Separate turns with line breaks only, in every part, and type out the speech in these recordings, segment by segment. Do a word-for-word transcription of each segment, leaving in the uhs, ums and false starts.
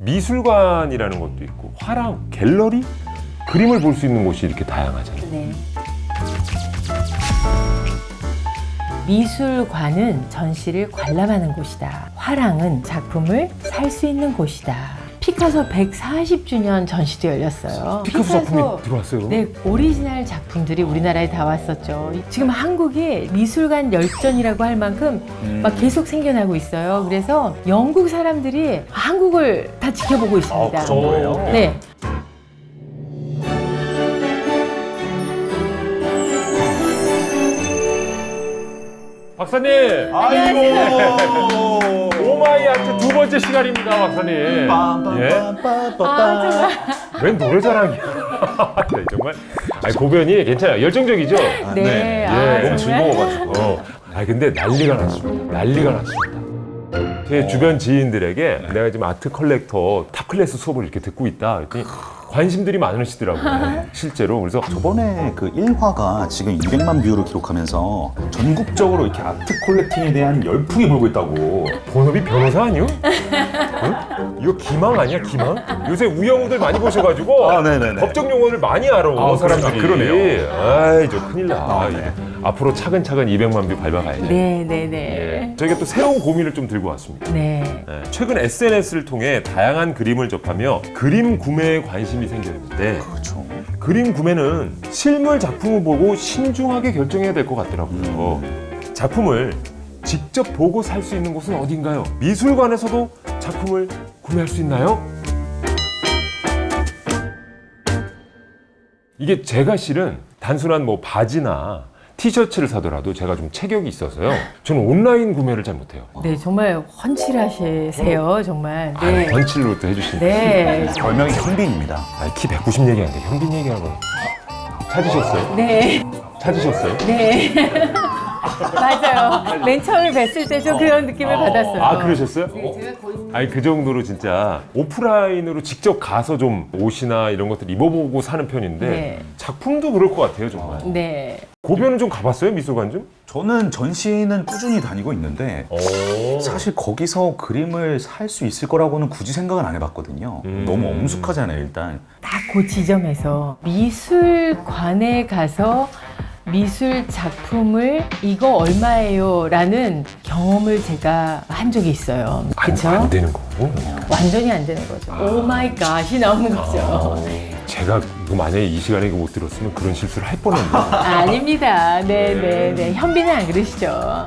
미술관이라는 것도 있고 화랑, 갤러리, 그림을 볼 수 있는 곳이 이렇게 다양하잖아요.
네. 미술관은 전시를 관람하는 곳이다. 화랑은 작품을 살 수 있는 곳이다. 피카소 백사십 주년 전시도 열렸어요.
피카소 작품이 들어왔어요?
네, 오리지널 작품들이 우리나라에 다 왔었죠. 지금 한국이 미술관 열전이라고 할 만큼
음.
막 계속 생겨나고 있어요. 그래서 영국 사람들이 한국을 다 지켜보고 있습니다.
아, 그 정도예요?
네.
박사님!
아이고.
오마이아트 두 번째 시간입니다, 박사님. 예?
아,
웬 노래자랑이야. 네, 정말. 아니, 고변이 괜찮아요. 열정적이죠?
아,
네.
네.
아,
예, 너무
정말?
즐거워가지고.
어. 아 근데 난리가 났습니다. 난리가 났습니다. 제 주변 지인들에게 내가 지금 아트 컬렉터 탑 클래스 수업을 이렇게 듣고 있다. 그랬더니 관심들이 많으시더라고요. 실제로. 그래서
저번에 그 일 화가 지금 이백만 뷰를 기록하면서 전국적으로 이렇게 아트 콜렉팅에 대한 열풍이 불고 있다고.
본업이 변호사 아니요? 응? 이거 기망 아니야, 기망? 요새 우영우들 많이 보셔가지고
아, 네네네.
법적 용어를 많이 알아,
아,
사람들이.
그러네요.
아이, 저 큰일 나.
아, 네.
앞으로 차근차근 이백만 뷰 밟아가야죠.
네, 네, 네.
예. 저희가 또 새로운 고민을 좀 들고 왔습니다.
네.
예, 최근 에스엔에스를 통해 다양한 그림을 접하며 그림 구매에 관심이 생겼는데
그렇죠.
그림 구매는 실물 작품을 보고 신중하게 결정해야 될 것 같더라고요. 작품을 직접 보고 살 수 있는 곳은 어딘가요? 미술관에서도 작품을 구매할 수 있나요? 이게 제가 실은 단순한 뭐 바지나 티셔츠를 사더라도 제가 좀 체격이 있어서요. 저는 온라인 구매를 잘 못해요.
네, 정말 훤칠하시세요, 정말.
아,
네.
번칠로 또 해주시니까.
네.
별명이 현빈입니다.
아, 키 백구십 얘기하는데 현빈 얘기하고 찾으셨어요?
네.
찾으셨어요?
네. 맞아요. 맨 처음에 뵀을 때 좀 그런 느낌을 받았어요.
아, 그러셨어요?
네, 제가 거의
아니 그 정도로 진짜 오프라인으로 직접 가서 좀 옷이나 이런 것들 입어보고 사는 편인데
네.
작품도 그럴 것 같아요, 정말.
네.
고변은 좀 가봤어요, 미술관 좀?
저는 전시는 꾸준히 다니고 있는데
오.
사실 거기서 그림을 살 수 있을 거라고는 굳이 생각은 안 해봤거든요.
음.
너무 엄숙하잖아요, 일단.
딱 그 지점에서 미술관에 가서 미술 작품을 이거 얼마예요? 라는 경험을 제가 한 적이 있어요. 그쵸?
안 되는 거고.
완전히 안 되는 거죠. 오 마이 갓이 나오는 거죠.
제가 이거 만약에 이 시간에 이거 못 들었으면 그런 실수를 할 뻔했는데.
아닙니다. 네, 네, 네. 현빈은 안 그러시죠?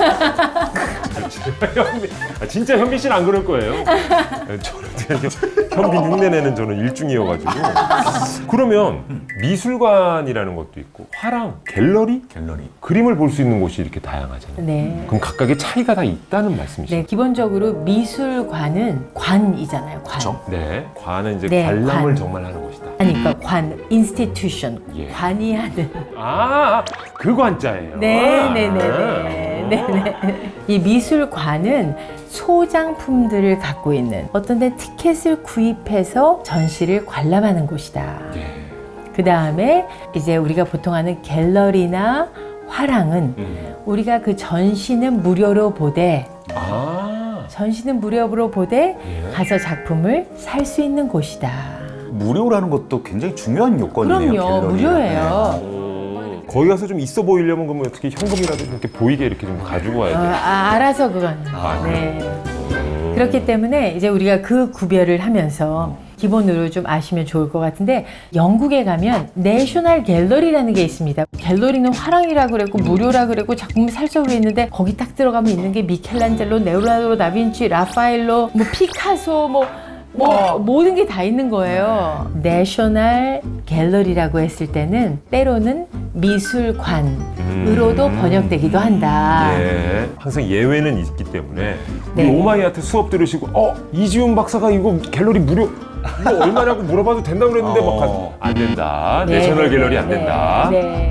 현빈, 아, 진짜 현빈 씨는 안 그럴 거예요. 저는 되게 현빈 흉내내는 저는 일중이어가지고. 그러면 미술관이라는 것도 있고 화랑, 갤러리,
갤러리.
그림을 볼 수 있는 곳이 이렇게 다양하잖아요.
네.
그럼 각각의 차이가 다 있다는 말씀이시죠?
네, 기본적으로 미술관은 관이잖아요. 관.
그쵸?
네. 관은 이제
네,
관람을
관.
정말 하는 곳이다.
아니, 그러니까 관, 인스티튜션.
예.
관이 하는.
아, 그 관자예요.
네, 네, 네, 네, 네, 네. 이 미술관은 소장품들을 갖고 있는 어떤 데 티켓을 구입해서 전시를 관람하는 곳이다.
예.
그 다음에 이제 우리가 보통 하는 갤러리나 화랑은
음.
우리가 그 전시는 무료로 보되
아,
전시는 무료로 보되
예.
가서 작품을 살 수 있는 곳이다.
무료라는 것도 굉장히 중요한 요건이네요.
그럼요,
갤러리가.
무료예요.
음, 거기 가서 좀 있어 보이려면 그러면 어떻게 현금이라도 좀 이렇게 보이게 이렇게 좀 가지고
어,
와야 돼.
아, 알아서 그건.
아,
네.
음.
그렇기 때문에 이제 우리가 그 구별을 하면서 기본으로 좀 아시면 좋을 것 같은데 영국에 가면 내셔널 갤러리라는 게 있습니다. 갤러리는 화랑이라 그랬고 무료라 그랬고 작품을 살 수 있는데 거기 딱 들어가면 있는 게 미켈란젤로, 레오나르도 다빈치, 라파엘로, 뭐 피카소, 뭐, 뭐 모든 게 다 있는 거예요. 내셔널 갤러리라고 했을 때는 때로는 미술관으로도
음.
번역되기도 한다.
예. 항상 예외는 있기 때문에 우리
네.
오마이아트 수업 들으시고 어 이지훈 박사가 이거 갤러리 무료 이거 얼마냐고 물어봐도 된다고 그랬는데 막
어.
안 된다.
네,
내셔널
네,
갤러리
네,
안 된다.
네.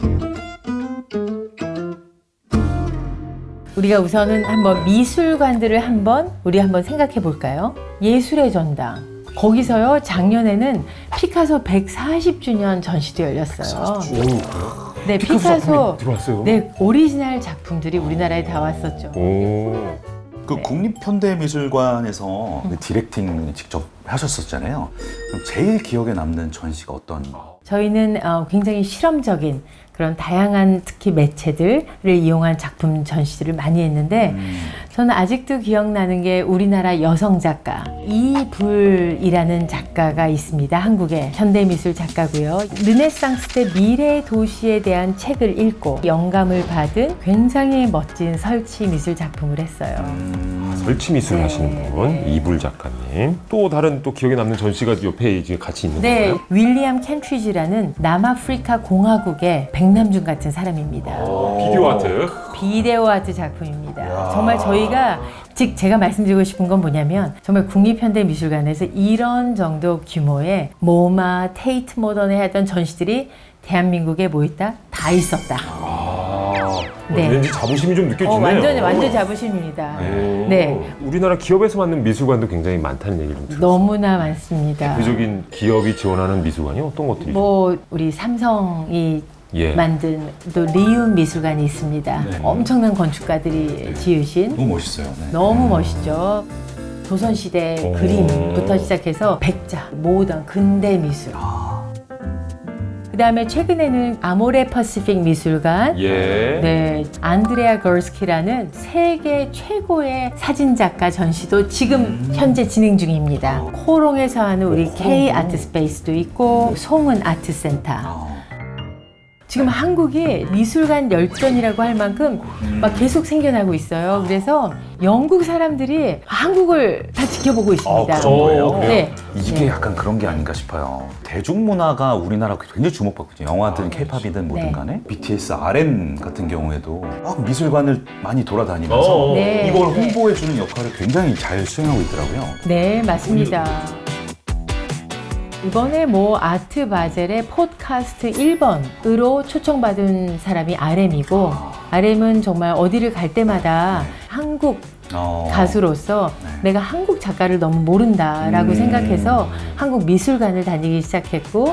우리가 우선은 한번 미술관들을 한번 우리 한번 생각해 볼까요? 예술의 전당. 거기서요 작년에는 피카소 백사십 주년 전시도 열렸어요. 네,
피카소
피카소
작품이 들어왔어요?
네 오리지널 작품들이 우리나라에 다 왔었죠.
오.
그 국립현대미술관에서 그 디렉팅 직접 하셨었잖아요. 그럼 제일 기억에 남는 전시가 어떤?
저희는 어, 굉장히 실험적인 그런 다양한 특히 매체들을 이용한 작품 전시들을 많이 했는데
음.
저는 아직도 기억나는 게 우리나라 여성 작가 이불이라는 작가가 있습니다. 한국의 현대미술 작가고요. 르네상스 때 미래 도시에 대한 책을 읽고 영감을 받은 굉장히 멋진 설치 미술 작품을 했어요.
음.
설치 미술
네.
하시는 분 이불 작가님. 또 다른 또 기억에 남는 전시가 옆에 이제 같이 있는
네,
건가요?
윌리엄 켄트리지라는 남아프리카 공화국의 백남준 같은 사람입니다.
비디오 아트.
비데오 아트 작품입니다.
이야.
정말 저희가 즉 제가 말씀드리고 싶은 건 뭐냐면 정말 국립현대미술관에서 이런 정도 규모의 모마, 테이트 모던에 하던 전시들이 대한민국에 뭐 있다? 다 있었다.
아,
네.
왠지 자부심이 좀 느껴지네요.
어, 완전 완전 자부심입니다.
네.
네.
우리나라 기업에서 만든 미술관도 굉장히 많다는 얘기를 좀 들었어요.
너무나 많습니다.
대표적인 기업이 지원하는 미술관이 어떤 것들이
뭐 우리 삼성이
예.
만든 또 리움 미술관이 있습니다.
네.
엄청난 건축가들이 지으신
너무 멋있어요. 네.
너무 멋있죠. 조선시대
오.
그림부터 시작해서 백자, 모던, 근대 미술. 그 다음에 최근에는 아모레 퍼시픽 미술관.
예.
네, 안드레아 걸스키라는 세계 최고의 사진작가 전시도 지금
음.
현재 진행 중입니다. 코롱에서 하는 우리
오,
K
코롱.
아트 스페이스도 있고 송은 아트센터.
아.
지금 한국이 미술관 열전이라고 할 만큼 막 계속 생겨나고 있어요. 그래서 영국 사람들이 한국을 다 지켜보고
아,
있습니다.
그 정도예요?
네.
이게
네.
약간 그런 게 아닌가 싶어요. 대중문화가 우리나라 굉장히 주목받거든요. 영화든 케이팝이든 뭐든
네.
간에. 비티에스 알엠 같은 경우에도 막 미술관을 많이 돌아다니면서
어.
네.
이걸 홍보해주는 역할을 굉장히 잘 수행하고 있더라고요.
네, 맞습니다. 이번에 뭐 아트 바젤의 팟캐스트 일 번으로 초청받은 사람이 알엠이고 알엠은 정말 어디를 갈 때마다 한국
어.
가수로서
네.
내가 한국 작가를 너무 모른다라고
음.
생각해서 한국 미술관을 다니기 시작했고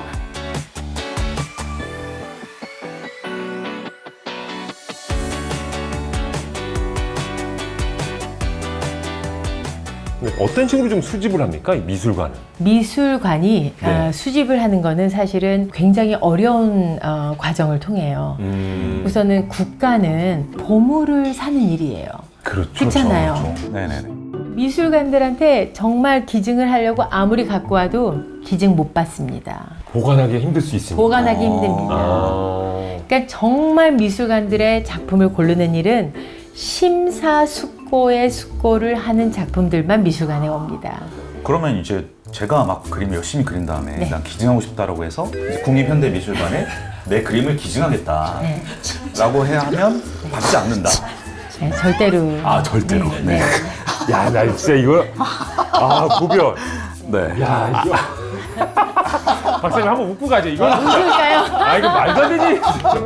어떤 식으로 좀 수집을 합니까? 이 미술관은?
미술관이
네.
어, 수집을 하는 거는 사실은 굉장히 어려운 어, 과정을 통해요.
음.
우선은 국가는 보물을 사는 일이에요.
그렇죠.
그렇잖아요.
그렇죠. 네네네.
미술관들한테 정말 기증을 하려고 아무리 갖고 와도 기증 못 받습니다.
보관하기 힘들 수 있습니다.
보관하기
아.
힘듭니다.
아.
그러니까 정말 미술관들의 작품을 고르는 일은 심사숙고의 숙고를 하는 작품들만 미술관에 옵니다.
그러면 이제 제가 막 그림 열심히 그린 다음에
네.
난 기증하고 싶다라고 해서 이제 국립현대미술관에 내 그림을 기증하겠다
네.
라고 해야 하면 받지 않는다.
네, 절대로.
아 절대로.
네.
야, 나 진짜 이거 아 구별.
네.
야, 이거 박사님 한번 웃고 가죠. 이거
웃을까요?
아 이거 말도 안 되지.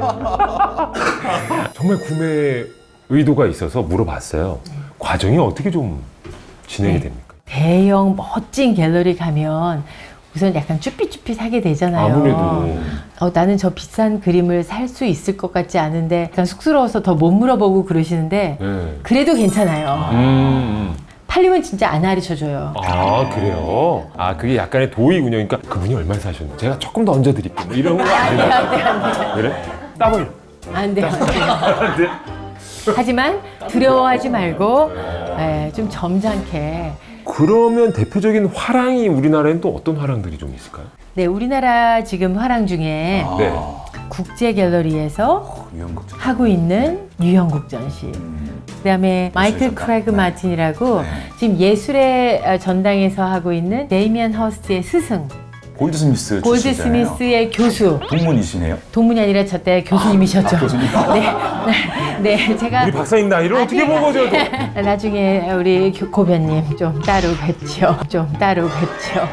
정말 구매 의도가 있어서 물어봤어요. 과정이 어떻게 좀 진행이
네.
됩니까?
대형 멋진 갤러리 가면 우선 약간 쭈삣쭈삣하게 되잖아요.
아무래도
어, 나는 저 비싼 그림을 살 수 있을 것 같지 않은데 약간 쑥스러워서 더 못 물어보고 그러시는데
네.
그래도 괜찮아요.
음.
팔리면 진짜 안 가르쳐줘요.
아 그래요? 아 그게 약간의 도의군요. 그러니까 그분이 얼마에 사셨는데 제가 조금 더 얹어드릴게요. 뭐 이런 거
안 돼요,
아니에요?
안 돼요, 안 돼요.
그래? 따블.
안 돼요, 안 돼요.
안 돼?
하지만 두려워하지 말고 예, 좀 점잖게.
그러면 대표적인 화랑이 우리나라에는 또 어떤 화랑들이 좀 있을까요?
네, 우리나라 지금 화랑 중에
아,
네.
국제 갤러리에서
유형극.
하고 있는 유형국 전시.
음.
그다음에 마이클
전당.
크래그
네.
마틴이라고
네.
지금 예술의 어, 전당에서 하고 있는 데이미안 허스트의 스승,
골드스미스
골드
출신이잖아요.
스미스의 교수.
동문이시네요.
동문이 아니라 저 때 교수님이셨죠.
아, 교수님.
네, 네, 네, 제가
우리 박사님 나이를 어떻게 보고 저도
나중에 우리 교- 고변님 좀 따로 뵙죠. 좀 따로 뵙죠.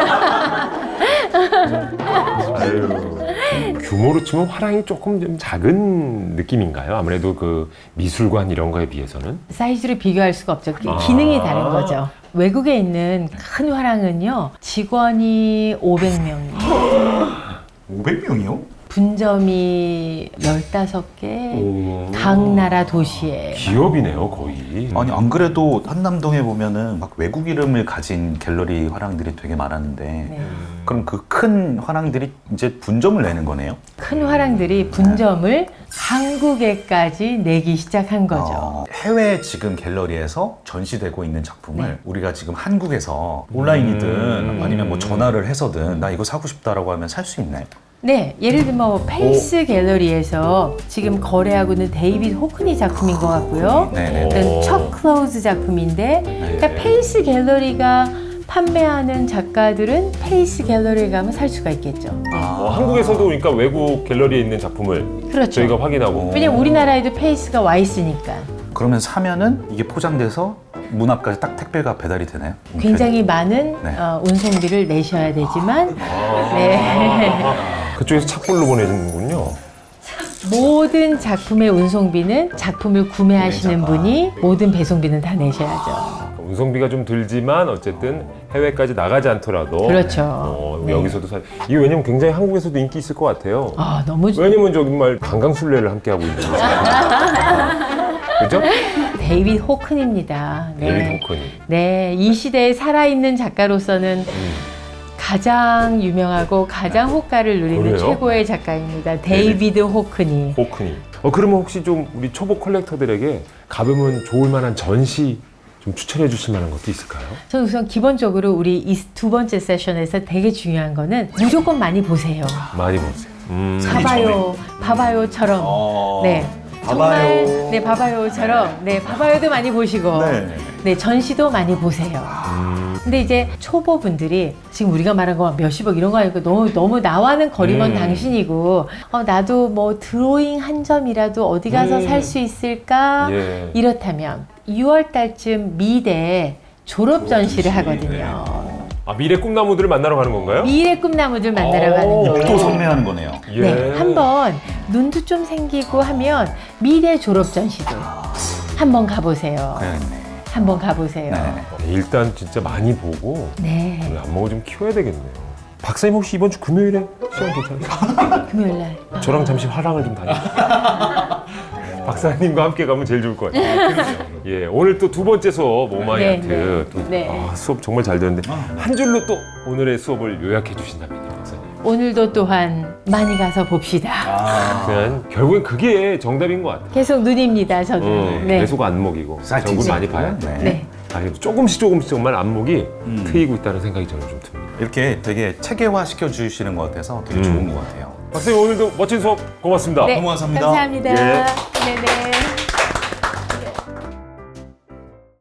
아유, 규모로 치면 화랑이 조금 좀 작은 느낌인가요? 아무래도 그 미술관 이런 거에 비해서는
사이즈를 비교할 수가 없죠. 기-
아.
기능이 다른 거죠. 외국에 있는 큰 화랑은요, 직원이 오백 명이에요.
오백 명이요?
분점이 열다섯 개,
오.
각 나라 도시에.
기업이네요, 거의.
아니 안 그래도 한남동에 보면은 막 외국 이름을 가진 갤러리 화랑들이 되게 많았는데
네.
그럼 그 큰 화랑들이 이제 분점을 내는 거네요?
큰 화랑들이 분점을 한국에까지 내기 시작한 거죠.
어, 해외 지금 갤러리에서 전시되고 있는 작품을
네.
우리가 지금 한국에서 온라인이든
음.
아니면 뭐 전화를 해서든 나 이거 사고 싶다라고 하면 살 수 있나요?
네, 예를 들면 뭐 페이스 갤러리에서 지금 거래하고 있는 데이빗 호크니 작품인 것 같고요.
네네.
이건 척 클로즈 작품인데, 그러니까 페이스 갤러리가 판매하는 작가들은 페이스 갤러리에 가면 살 수가 있겠죠. 네.
어, 한국에서도 그러니까 외국 갤러리에 있는 작품을
그렇죠.
저희가 확인하고.
왜냐면 우리나라에도 페이스가 와 있으니까.
그러면 사면은 이게 포장돼서 문 앞까지 딱 택배가 배달이 되나요?
굉장히 많은
네.
어, 운송비를 내셔야 되지만
아.
네.
그쪽에서 착불로 보내주는군요.
모든 작품의 운송비는 작품을 구매하시는
구매자가.
분이 모든 배송비는 다 내셔야죠.
운송비가 좀 들지만 어쨌든 해외까지 나가지 않더라도
그렇죠.
어,
네.
여기서도 사. 이게 왜냐면 굉장히 한국에서도 인기 있을 것 같아요.
아, 너무 좋-
왜냐면 정말 강강술래를 함께 하고 있는 거죠. 그죠?
데이빗 호큰입니다. 네.
데이빗 호크니.
네, 이 시대에 살아있는 작가로서는
음.
가장 유명하고 가장 호가를 누리는
그래요?
최고의 작가입니다. 데이비드 호크니.
호크니. 어 그러면 혹시 좀 우리 초보 컬렉터들에게 가보면 좋을 만한 전시 좀 추천해 주실 만한 것도 있을까요?
저는 우선 기본적으로 우리 이 두 번째 세션에서 되게 중요한 거는 무조건 많이 보세요.
많이 보세요. 음.
봐봐요, 봐봐요처럼.
어...
네. 정말 네 봐봐요처럼 네 봐봐요도 많이 보시고
네.
네 전시도 많이 보세요.
음.
근데 이제 초보분들이 지금 우리가 말한 거 몇십억 이런 거 아니고 너무 너무 나와는 거리먼
음.
당신이고 어, 나도 뭐 드로잉 한 점이라도 어디 가서
음.
살 수 있을까
예.
이렇다면 유월 달쯤 미대 졸업 전시를 하거든요.
아 미래 꿈나무들을 만나러 가는 건가요?
미래 꿈나무들 만나러
오.
가는 거예요.
또 선매하는 거네요.
예.
네, 한번 눈도 좀 생기고 하면 미래 졸업 전시도 한번 가보세요.
그래야겠네.
한번 가보세요.
네.
네, 일단 진짜 많이 보고
네,
우리 안목을 좀 키워야 되겠네요. 박사님 혹시 이번 주 금요일에 시간 괜찮으세요?
금요일 날.
저랑 잠시 화랑을 좀 다니세요. 박사님과 함께 가면 제일 좋을 것 같아요. 예, 오늘 또 두 번째 수업 오마이
네,
아트
네.
또,
네.
아, 수업 정말 잘 되는데 한 줄로 또 오늘의 수업을 요약해 주신다면요, 박사님.
오늘도 또한 많이 가서 봅시다.
아,
그냥 결국엔 그게 정답인 것 같아요.
계속 눈입니다, 저도.
어,
네.
계속 안목이고
사이트
정말
찍고.
많이 봐야 돼.
네.
네.
아, 그래도 조금씩 조금씩 정말 안목이
음.
트이고 있다는 생각이 저는 좀 듭니다.
이렇게 되게 체계화 시켜주시는 것 같아서 되게
음.
좋은 것 같아요.
박사님 오늘도 멋진 수업 고맙습니다.
네,
고맙습니다.
감사합니다.
예.
네네.